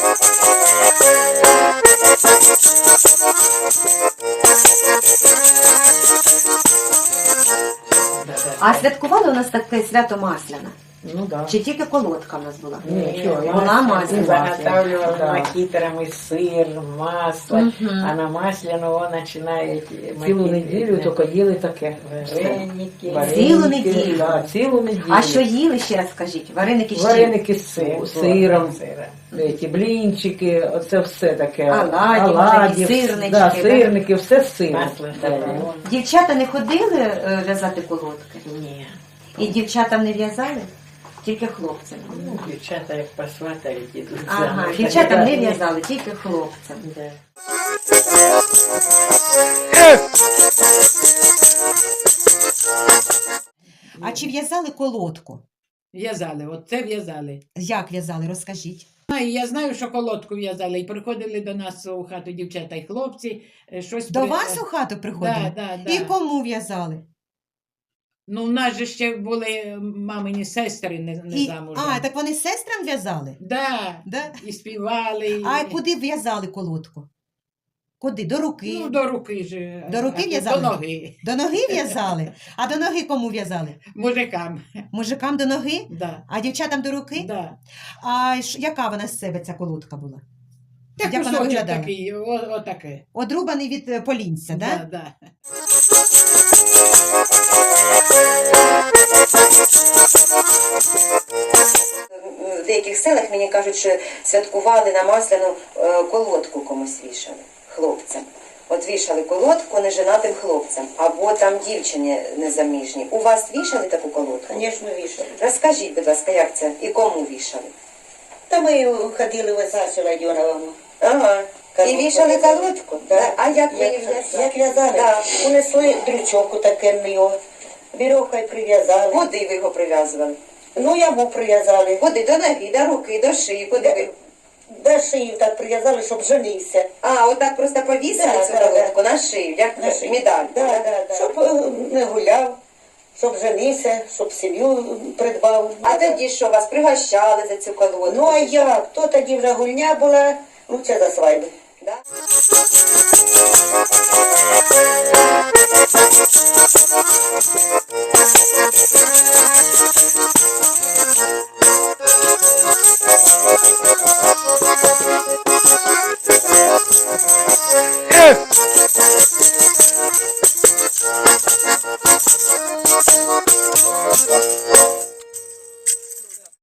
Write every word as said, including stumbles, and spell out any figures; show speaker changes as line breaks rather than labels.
А святкували у нас таке свято Масляне?
Ну да.
Чи тільки колодка в нас була?
Ні,
Була масляна.
заготавливали
Да.
макітрами сир, масло,
Мгм.
а на масляного починають
Цілу
макітри,
неділю
да.
тільки їли таке.
Вареники.
Вареники,
Цілу неділю?
Да, цілу неділю.
А що їли, ще раз скажіть? Вареники з чим?
Вареники з сиром,
Сир,
сиром,
сира.
ті блінчики, оце все таке.
Оладі,
Оладі,
сирнички,
да,
да?
сирники, все з сиром.
Масло
Да.
добавили.
Дівчата не ходили е, в'язати колодки?
Ні.
І дівчатам не в'язали? Тільки хлопцям.
Ну, дівчата як посватають, ідуть
Ага,
замуж.
дівчатам не в'язали, тільки хлопцям.
Да.
А чи в'язали колодку?
В'язали, от це в'язали.
Як в'язали, розкажіть.
А, і я знаю, що колодку в'язали. І приходили до нас у хату дівчата і хлопці. е, Щось
До
при-
вас у хату приходили?
Да, да, да.
І кому в'язали?
Ну, в нас же ще були мамині сестри не, не
І...
замужем.
А, так вони сестрам в'язали?
Да.
Да?
І співали. І...
А куди в'язали колодку? Куди? До руки?
Ну, до руки ж.
До руки
а,
в'язали?
До ноги.
До ноги в'язали? А до ноги кому в'язали?
Мужикам.
Мужикам до ноги?
Да.
А дівчатам до руки?
Да.
А ш- яка вона з себе ця колодка була?
Так
Як вона
кусочок
виглядала?
такий, о- отаке.
Одрубаний від е, полінця, да?
Да, да.
В деяких селах мені кажуть, що святкували на масляну е, колодку комусь вішали, хлопцям. От вішали колодку неженатим хлопцям, або там дівчині незаміжній. У вас вішали таку колодку?
Звісно, вішали.
Розкажіть, будь ласка, як це і кому вішали?
Та ми ходили в Сасю Ладьоновому.
Ага. І
Колодку
вішали
в'язали.
колодку?
Да.
А як ви її
Як,
в'язали?
як в'язали?
Да.
Унесли дрючок таке його, вірьовкою прив'язали.
Куди ви його прив'язували?
Ну, яму прив'язали.
Куди? До ноги, до руки, до шиї, куди ви?
До шиї так прив'язали, щоб женився.
А, отак просто повісили
Да,
цю
да,
колодку на шию, як
На шиї.
медаль.
Да, да, да. Щоб е, не гуляв, щоб женився, щоб сім'ю придбав.
А тоді що, вас пригощали за цю колодку?
Ну, а як? То тоді вже гульня була, ну, це за свадьби.
Да?
Yes!